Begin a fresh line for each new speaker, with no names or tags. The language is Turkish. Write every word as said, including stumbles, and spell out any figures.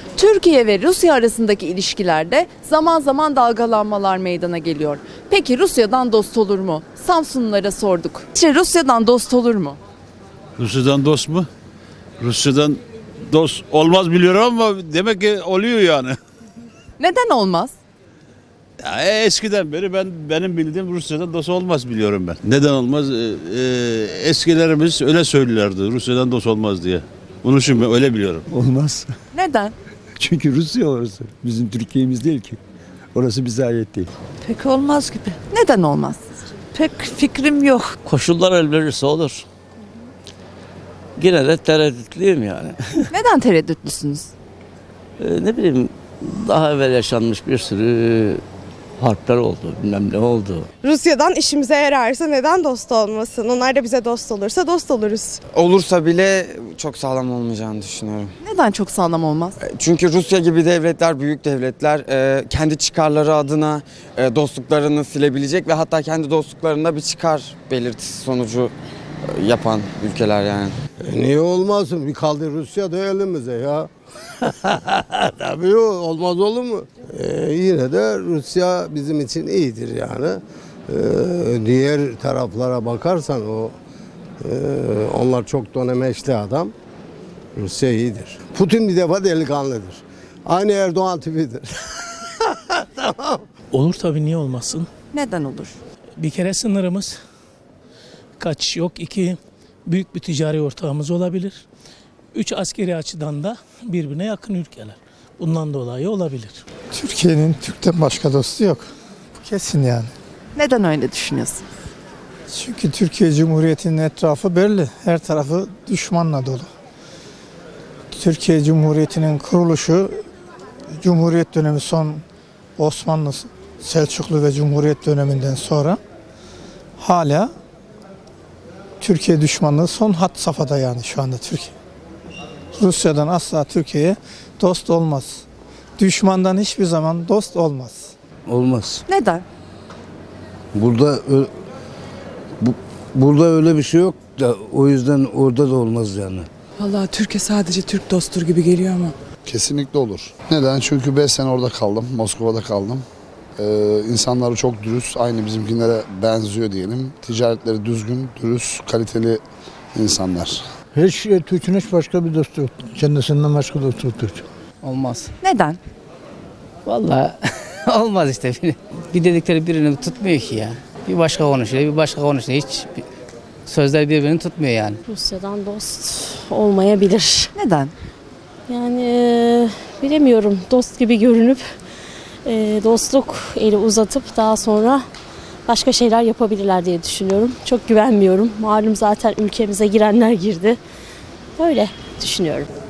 Türkiye ve Rusya arasındaki ilişkilerde zaman zaman dalgalanmalar meydana geliyor. Peki Rusya'dan dost olur mu? Samsunlulara sorduk. İşte Rusya'dan dost olur mu?
Rusya'dan dost mu? Rusya'dan dost olmaz biliyorum ama demek ki oluyor yani.
Neden olmaz?
Ya eskiden beri ben benim bildiğim Rusya'dan dost olmaz biliyorum ben. Neden olmaz? Ee, e, eskilerimiz öyle söylüyorlardı Rusya'dan dost olmaz diye. Bunu şimdi öyle biliyorum.
Olmaz.
Neden?
Çünkü Rusya orası. Bizim Türkiye'miz değil ki. Orası bize ait değil.
Pek olmaz gibi.
Neden olmaz?
Pek fikrim yok.
Koşullar el verirse olur. Yine de tereddütlüyüm yani.
Neden tereddütlüsünüz?
Ee, ne bileyim daha evvel yaşanmış bir sürü harpler oldu, bilmem ne oldu.
Rusya'dan işimize yararsa neden dost olmasın? Onlar da bize dost olursa dost oluruz.
Olursa bile çok sağlam olmayacağını düşünüyorum.
Neden çok sağlam olmaz?
Çünkü Rusya gibi devletler, büyük devletler e, kendi çıkarları adına e, dostluklarını silebilecek ve hatta kendi dostluklarında bir çıkar belirtisi sonucu e, yapan ülkeler yani.
E niye olmasın? Bir kaldı Rusya da elimize ya. Tabii o olmaz olur mu? E, yine de Rusya bizim için iyidir yani. E, diğer taraflara bakarsan o e, onlar çok dönemeçli adam. Rusya iyidir. Putin bir defa delikanlıdır. Aynı Erdoğan tipidir. Tamam.
Olur tabii, niye olmasın?
Neden olur?
Bir kere sınırımız kaç yok. İki, büyük bir ticari ortağımız olabilir. Üç, askeri açıdan da birbirine yakın ülkeler. Bundan dolayı olabilir.
Türkiye'nin Türk'ten başka dostu yok. Bu kesin yani.
Neden öyle düşünüyorsun?
Çünkü Türkiye Cumhuriyeti'nin etrafı belli. Her tarafı düşmanla dolu. Türkiye Cumhuriyeti'nin kuruluşu Cumhuriyet dönemi son Osmanlı, Selçuklu ve Cumhuriyet döneminden sonra hala Türkiye düşmanlığı son hat safhada yani şu anda Türkiye. Rusya'dan asla Türkiye'ye dost olmaz. Düşmandan hiçbir zaman dost olmaz.
Olmaz.
Neden?
Burada bu, burada öyle bir şey yok da o yüzden orada da olmaz yani.
Vallahi Türkiye sadece Türk dosttur gibi geliyor ama.
Kesinlikle olur. Neden? Çünkü beş sene orada kaldım. Moskova'da kaldım. Ee, insanları çok dürüst. Aynı bizimkilere benziyor diyelim. Ticaretleri düzgün, dürüst, kaliteli insanlar.
Hiç Türk'ün hiç başka bir dostu yok. Kendisinden başka dostu yok Türk.
Olmaz.
Neden?
Vallahi olmaz işte. Bir dedikleri birini tutmuyor ki ya. Bir başka konuşuyor, bir başka konuşuyor. Hiç sözler birbirini tutmuyor yani.
Rusya'dan dost olmayabilir.
Neden?
Yani e, bilemiyorum, dost gibi görünüp e, dostluk eli uzatıp daha sonra başka şeyler yapabilirler diye düşünüyorum. Çok güvenmiyorum. Malum zaten ülkemize girenler girdi. Böyle düşünüyorum.